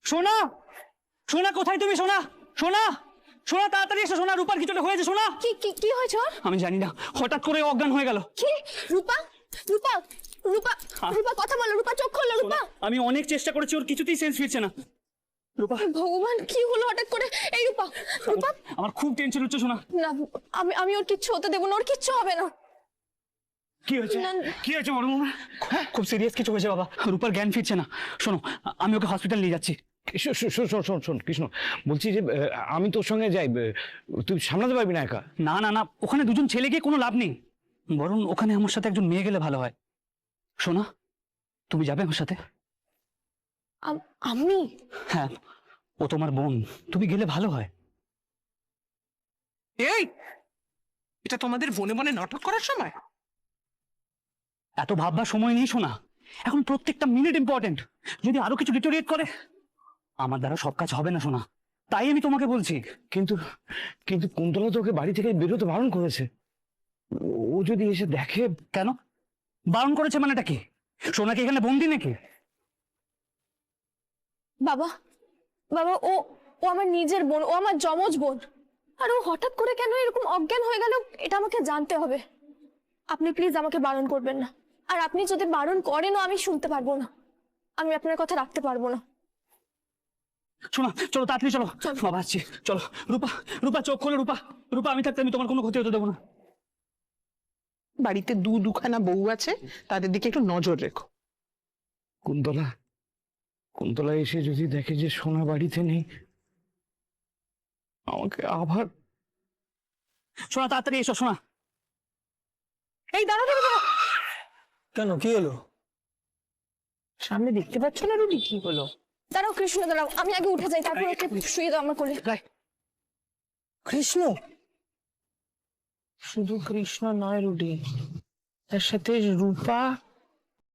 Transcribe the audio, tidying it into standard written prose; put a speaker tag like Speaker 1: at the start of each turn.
Speaker 1: সোনা, সোনা কোথায় তুমি? সোনা, সোনা, সোনা তাড়াতাড়ি এসো। সোনা, রূপার কিছুটা হয়েছে। সোনা,
Speaker 2: কি কি কি হয়েছে ওর?
Speaker 1: আমি জানি না, হঠাৎ করে অজ্ঞান হয়ে গেল।
Speaker 2: কি? রূপা, রূপা, রূপা, রূপা কথা বলো। রূপা চোখ খোলো। রূপা,
Speaker 1: আমি অনেক চেষ্টা করেছি, ওর কিছুতেই সেন্স ফিরছে না। রূপা,
Speaker 2: ভগবান কি হলো হঠাৎ করে? এই রূপা, রূপা
Speaker 1: আমার খুব টেনশন হচ্ছে। সোনা,
Speaker 2: না, আমি ওর কিচ্ছু হতে দেবো না, ওর কিচ্ছু হবে না।
Speaker 1: কি হয়েছে?
Speaker 2: না।
Speaker 1: কি হয়েছে বড় মামা? খুব সিরিয়াস কিছু হয়েছে বাবা, রূপার জ্ঞান ফিরছে না। শোনো, আমি ওকে হসপিটাল নিয়ে যাচ্ছি।
Speaker 3: শোন কৃষ্ণ, বলছি যে আমি তোর সঙ্গে যাই, তুই সামলাতে পারবি না একা?
Speaker 1: না না না, ওখানে দুজন ছেলে গিয়ে কোনো লাভ নেই, বরং ওখানে আমার সাথে একজন মেয়ে গেলে ভালো হয়। সোনা, তুমি যাবে আমার সাথে?
Speaker 2: আমি?
Speaker 1: হ্যাঁ, ও তোমার বোন, তুমি গেলে ভালো হয়।
Speaker 4: এই, এটা তোমাদের বনে বনে নাটক করার সময়?
Speaker 1: এত ভাববার সময় নেই সোনা, এখন প্রত্যেকটা মিনিট ইম্পর্টেন্ট। যদি আরো কিছু ডিটোরিয়েট করে, আমার দ্বারা সব কাজ হবে না সোনা, তাই আমি তোমাকে বলছি।
Speaker 3: কিন্তু কিন্তু কুন্তলা তোকে বাড়ি থেকে বেরোতে বারণ করেছে। ও যদি এসে দেখে?
Speaker 1: কেন বারণ করেছে মানেটা কি? সোনাকে এখানে বন্দি নাকি?
Speaker 2: বাবা, বাবা, ও ও আমার নিজের বোন, ও আমার যমজ বোন। আর ও হঠাৎ করে কেন এরকম অজ্ঞান হয়ে গেল, এটা আমাকে জানতে হবে। আপনি প্লিজ আমাকে বারণ করবেন না। আর আপনি যদি বারণ করেনও, আমি শুনতে পারবো না, আমি আপনার কথা রাখতে পারবো না।
Speaker 1: শোনা, চলো তাড়াতাড়ি চলো। বাবা আসছি, চলো। রূপা, রূপা চোখ খোলো। রূপা, রূপা আমি থাকতে আমি তোমার কোনো ক্ষতি হতে দেবো না।
Speaker 4: বাড়িতে দুখানা বউ আছে, তাদের দিকে একটু নজর রেখো।
Speaker 3: কুন্তলা, কুন্তলা এসে যদি দেখে যে সোনা বাড়িতে নেই, আমাকে আবার...
Speaker 1: শোনা, তাড়াতাড়ি এসো। শোনা,
Speaker 4: এই দাঁড়া দাঁড়া দাঁড়া।
Speaker 1: কেন, কি হলো?
Speaker 4: সামনে দেখতে পাচ্ছ না রুটি? কি হলো?
Speaker 2: দাঁড়াও কৃষ্ণ, দাঁড়াও, আমি আগে উঠে যাই, তারপর ওকে শুয়ে দাও আমার কোলে।
Speaker 4: কৃষ্ণ? শুধু কৃষ্ণ নয় রুডি, তার সাথে রূপা